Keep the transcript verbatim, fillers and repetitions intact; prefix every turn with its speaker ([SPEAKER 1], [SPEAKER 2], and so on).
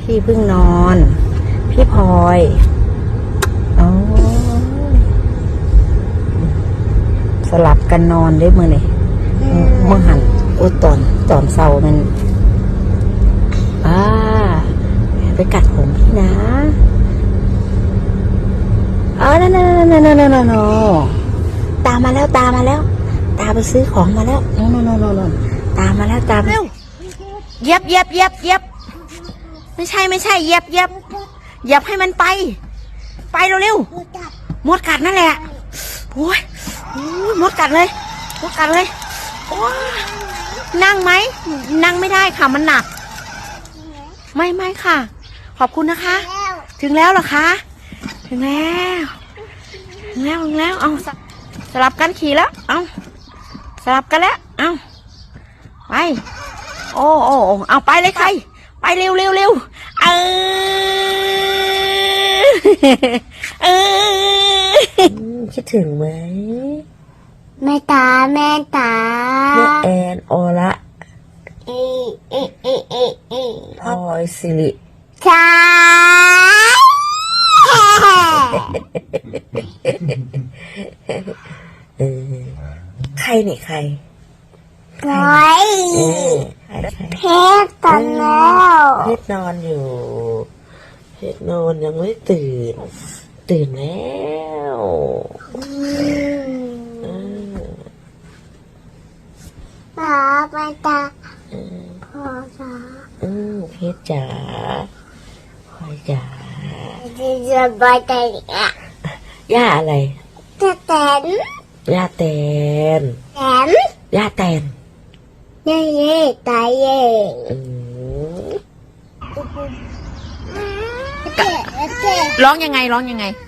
[SPEAKER 1] พี่เพิ่งนอน พี่พลอยโอ้สลับกันนอนได้มือนี่เมื่อหันโอ้ตอนตอนเศร้ามันอ่าไปกัดผมพี่นะเออนั่นนั่นนั่นนั่นนั่นนั่นตามมาแล้วตามมาแล้วตาไปซื้อของมาแล้วโน่นโน่นโน่นโน่นตามมาแล้วตามเร็วเย็บเย็บเย็บเย็บไม่ใช่ไม่ใช่เย็บเย็บเย็บให้มันไปไปเร็วเร็วมดกัดนั่นแหละโอ้ยมดกัดเลยมดกัดเลยโอ้นั่งไหมนั่งไม่ได้ค่ะมันหนักไม่ไม่ค่ะ ขอบคุณนะคะถึงแล้วเหรอคะถึงแล้วถึงแล้วถึงแล้วเอาสลับกันขี่แล้วเอาสลับกันแล้วเอาไปโอ้โอ้เอาไปเลยใครไปเร็วเร็วเร็วเออเออคิดถึงไหม
[SPEAKER 2] แม่ตาแม่ตา
[SPEAKER 1] แม่แอนโอละ
[SPEAKER 2] เอเอเอเอเอ
[SPEAKER 1] พลอยสิริ
[SPEAKER 2] ใช่
[SPEAKER 1] เออใครนี่ใคร
[SPEAKER 2] พลอยเพชรตอนแล้ว
[SPEAKER 1] เพชรนอนอยู่เพชรนอนยังไม่ตื่นตื่นแล้ว
[SPEAKER 2] ตาแม่ตาพ่อจ๋า
[SPEAKER 1] อืมเพชรจ๋าพลอยจ๋า
[SPEAKER 2] จะไปไหนอ่ะ
[SPEAKER 1] ย่าอะไร
[SPEAKER 2] จะแตน
[SPEAKER 1] ย่าแตน
[SPEAKER 2] แตน
[SPEAKER 1] ย่าแตน
[SPEAKER 2] เย่เย่ตายเย่
[SPEAKER 1] ร้องยังไงร้องยังไง